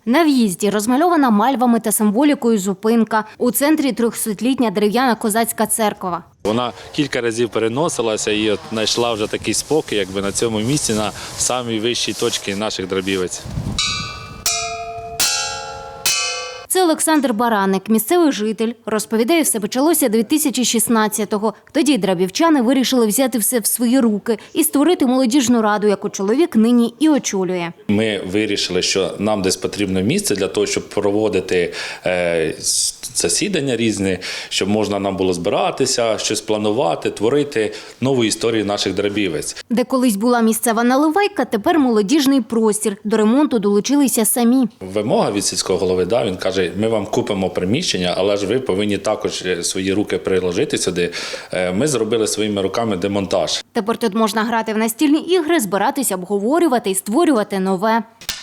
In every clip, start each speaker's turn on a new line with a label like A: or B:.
A: На в'їзді розмальована мальвами та символікою зупинка. У центрі 300-літня дерев'яна козацька церква.
B: Вона кілька разів переносилася і от знайшла вже такий спокій, якби на цьому місці, на самій вищій точці наших Драбівець.
A: Це Олександр Баранник, місцевий житель. Розповідає, все почалося 2016-го. Тоді драбівчани вирішили взяти все в свої руки і створити молодіжну раду, яку чоловік нині і очолює.
B: Ми вирішили, що нам десь потрібно місце для того, щоб проводити засідання різні, щоб можна нам було збиратися, щось планувати, творити нову історію наших Драбівець.
A: Де колись була місцева наливайка, тепер молодіжний простір. До ремонту долучилися самі.
B: Вимога від сільського голови, він каже, ми вам купимо приміщення, але ж ви повинні також свої руки приложити сюди. Ми зробили своїми руками демонтаж.
A: Тепер тут можна грати в настільні ігри, збиратися, обговорювати і створювати нове.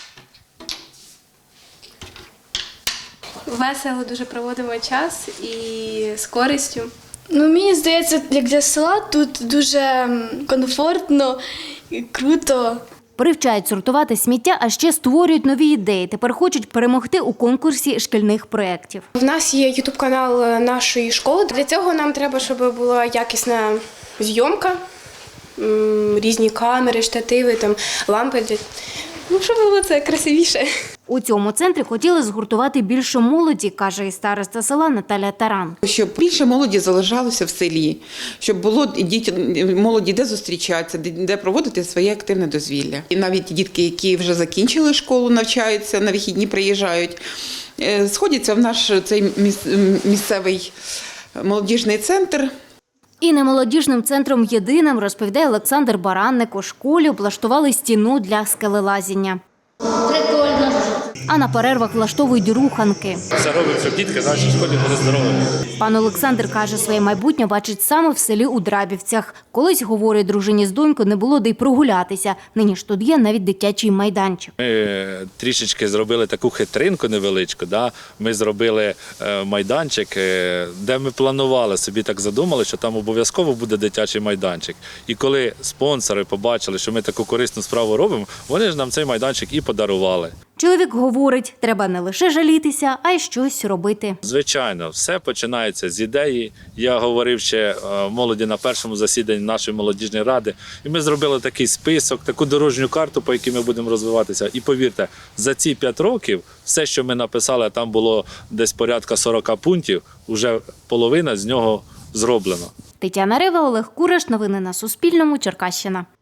C: Весело дуже проводимо час і з користю.
D: Мені здається, як для села тут дуже комфортно і круто.
A: Привчають сортувати сміття, а ще створюють нові ідеї. Тепер хочуть перемогти у конкурсі шкільних проєктів.
E: В нас є ютуб-канал нашої школи. Для цього нам треба, щоб була якісна зйомка, різні камери, штативи, лампи. Щоб було це красивіше.
A: У цьому центрі хотіли згуртувати більше молоді, каже і староста села Наталя Таран.
F: Щоб більше молоді залишалося в селі, щоб було молоді де зустрічатися, де проводити своє активне дозвілля. І навіть дітки, які вже закінчили школу, навчаються, на вихідні приїжджають, сходяться в наш цей місцевий молодіжний центр.
A: І не молодіжним центром єдиним, розповідає Олександр Баранник, у школі облаштували стіну для скелелазіння. Прикольно. А на перервах влаштовують руханки.
B: Все робимо, щоб дітки в нашій школі були здорові.
A: Пан Олександр каже, своє майбутнє бачить саме в селі у Драбівцях. Колись, говорить, дружині з донькою не було де й прогулятися. Нині ж тут є навіть дитячий майданчик.
B: Ми трішечки зробили таку хитринку невеличку. Ми зробили майданчик, де ми планували, собі так задумали, що там обов'язково буде дитячий майданчик. І коли спонсори побачили, що ми таку корисну справу робимо, вони ж нам цей майданчик і подарували.
A: Чоловік говорить, треба не лише жалітися, а й щось робити.
B: Звичайно, все починається з ідеї. Я говорив ще молоді на першому засіданні нашої молодіжної ради. І ми зробили такий список, таку дорожню карту, по якій ми будемо розвиватися. І повірте, за ці 5 років все, що ми написали, там було десь порядка 40 пунктів, вже половина з нього зроблено.
A: Тетяна Рева, Олег Кураш. Новини на Суспільному. Черкащина.